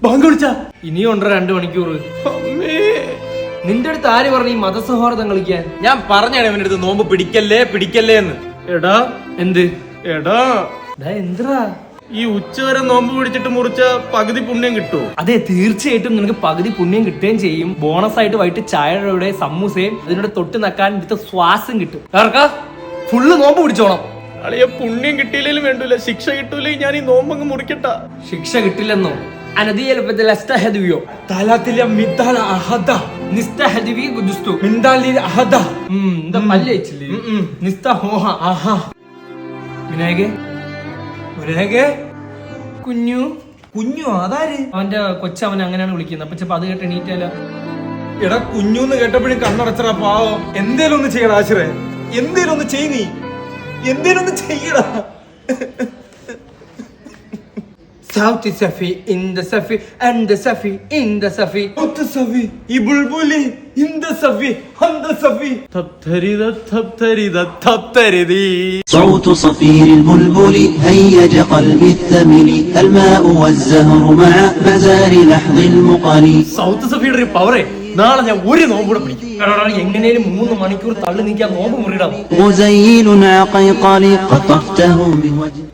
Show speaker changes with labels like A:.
A: Bank വിളിച്ചാ
B: ഇനിയും ഉണ്ടോ 2 മണിക്കൂർ. നിന്റെ അടുത്ത് ആര് പറഞ്ഞു ഈ മതസൗഹാർദ്ദം കളിക്കാൻ?
A: ഞാൻ പറഞ്ഞാണ് ഇവന്റെ അടുത്ത് നോമ്പ് പിടിക്കല്ലേ പിടിക്കല്ലേ എന്ന്. എടാ
B: എന്ത്
A: എടാ
B: എന്തിനാ
A: ഈ ഉച്ചവരെ നോമ്പ് പിടിച്ചിട്ട് മുറിച്ച പകുതി പുണ്യം കിട്ടുമോ?
B: അതെ, തീർച്ചയായിട്ടും നിനക്ക് പകുതി പുണ്യം കിട്ടുകയും ചെയ്യും. ബോണസ് ആയിട്ട് വൈകിട്ട് ചായയുടെ സമൂസയും അതിനോട് തൊട്ട് നക്കാൻ എടുത്ത ശ്വാസം കിട്ടും. ഫുള്ള് നോമ്പ് പിടിച്ചോണം.
A: അളിയ പുണ്യം കിട്ടിയില്ലേലും വേണ്ടൂല, ശിക്ഷ കിട്ടൂലേ ഞാൻ ഈ നോമ്പങ്ങ് മുറിക്കട്ട.
B: ശിക്ഷ കിട്ടില്ലെന്നോ? കുഞ്ഞു
A: കുഞ്ഞു അതാര്?
B: അവന്റെ കൊച്ചവൻ അങ്ങനെയാണ് വിളിക്കുന്നത്. അപ്പൊ ചിലപ്പോ അത് കേട്ട് എണീറ്റാലോ.
A: എടാ കുഞ്ഞൂന്ന് കേട്ടപ്പോഴും കണ്ണടച്ചടാ പാവം. എന്തേലും ഒന്ന് ചെയ്യടാ ആശ്രയ, എന്തേലും ഒന്ന് ചെയ്, നീ എന്തേലും ഒന്ന് ചെയ്യടാ.
B: South Safi in the Safi and the Safi in the Safi.
A: South Safi ഈ ബുൾബുലി in the Safi and the Safi. തപ്തരിത തപ്തരിത തപ്തരിതി.
C: صوت صفير البلبل هيج قلبي الثمل الماء والزهر مع مزار لحظ المقل.
A: സൗത്ത് സഫിയുടെ ഒരു പവറേ, നാളെ ഞാൻ ഒരു നോമ്പ് കൂടെ പിടിക്കും.
B: എങ്ങനെയും 3 മണിക്കൂർ തള്ളി നീക്കാൻ നോമ്പ് മുറിയിടാം.
C: مزين عقيقل قطفته بوجه